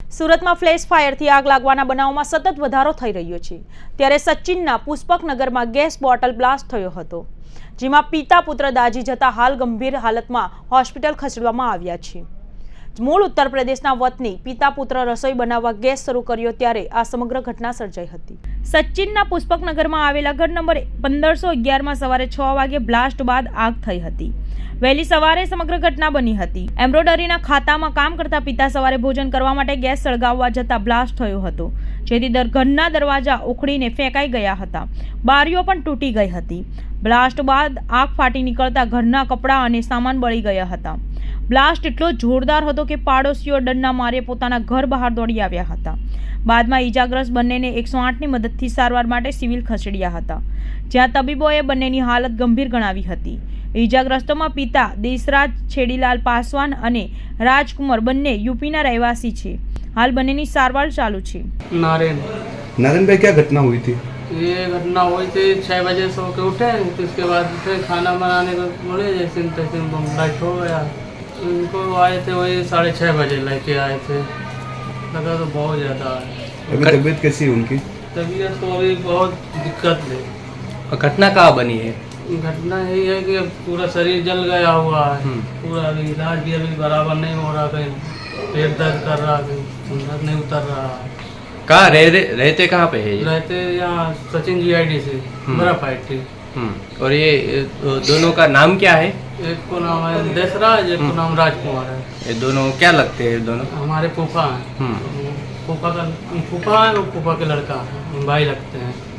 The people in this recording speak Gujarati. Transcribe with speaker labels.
Speaker 1: સુરતમાં ફ્લેશ ફાયરથી આગ લાગવાના બનાવમાં સતત વધારો થઈ રહ્યો છે ત્યારે સચિનના પુષ્પકનગરમાં ગેસ બોટલ બ્લાસ્ટ થયો હતો, જેમાં પિતા પુત્ર દાઝી જતા હાલ ગંભીર હાલતમાં હોસ્પિટલ ખસેડવામાં આવ્યા છે। મૂળ ઉત્તર પ્રદેશના વતની પિતા પુત્ર રસોઈ બનાવવા ગેસ શરૂ કર્યો ત્યારે આ સમગ્ર ઘટના સર્જાઈ હતી। સચિનના પુષ્પકનગરમાં આવેલા ઘર નંબર 1511માં સવારે 6 વાગે બ્લાસ્ટ બાદ આગ થઈ હતી। વહેલી સવારે સમગ્ર ઘટના બની હતી। એમ્બ્રોડરીના ખાતામાં કામ કરતા પિતા સવારે ભોજન કરવા માટે ગેસ સળગાવવા જતા બ્લાસ્ટ થયો હતો, જેથી ઘરના દરવાજા ઉખડીને ફેંકાઈ ગયા હતા। બારીઓ પણ તૂટી ગઈ હતી। બ્લાસ્ટ બાદ આગ ફાટી નીકળતા ઘરના કપડાં અને સામાન બળી ગયા હતા। બ્લાસ્ટ એટલો જોરદાર હતો કે પાડોશીઓ ડરના મારે પોતાના ઘર બહાર દોડી આવ્યા હતા। બાદમાં ઈજાગ્રસ્ત બંનેને 108ની મદદથી સારવાર માટે સિવિલ ખસેડ્યા હતા, જ્યાં તબીબોએ બંનેની હાલત ગંભીર ગણાવી હતી। ઈજાગ્રસ્તોમાં પિતા દેશરાજ છેડીલાલ પાસવાન અને રાજકુમાર બંને यूपीના રહેવાસી છે। हाल બંનેની સારવાર चालू છે।
Speaker 2: नारायण भाई, क्या घटना हुई थी?
Speaker 3: ये घटना हुई थी 6 बजे सो के उठे, तो उसके बाद उठे खाना बनाने को बोले, जैसे तैसे बम लाइट हो गया। उनको आए थे वही 6:30 बजे लेके आए थे। लगा तो बहुत ज़्यादा है।
Speaker 2: अभी तबीयत कैसी है उनकी?
Speaker 3: तबीयत तो अभी बहुत दिक्कत है।
Speaker 4: और घटना कहाँ बनी है?
Speaker 3: घटना यही है कि अब पूरा शरीर जल गया हुआ है। पूरा अभी इलाज भी अभी बराबर नहीं हो रहा, कहीं पेट दर्द कर रहा, कहीं अंदर नहीं उतर रहा।
Speaker 4: कहाँ रहते कहाँ पे है ये?
Speaker 3: रहते यहाँ सचिन GID से बड़ा पार्टी।
Speaker 4: और ये दोनों का नाम क्या है?
Speaker 3: एक को नाम है देशराज, एक को नाम राजकुमार है।
Speaker 4: ये दोनों क्या लगते हैं? दोनों
Speaker 3: हमारे फूफा हैं। फूफा है, वो फूफा के लड़का है, भाई लगते हैं।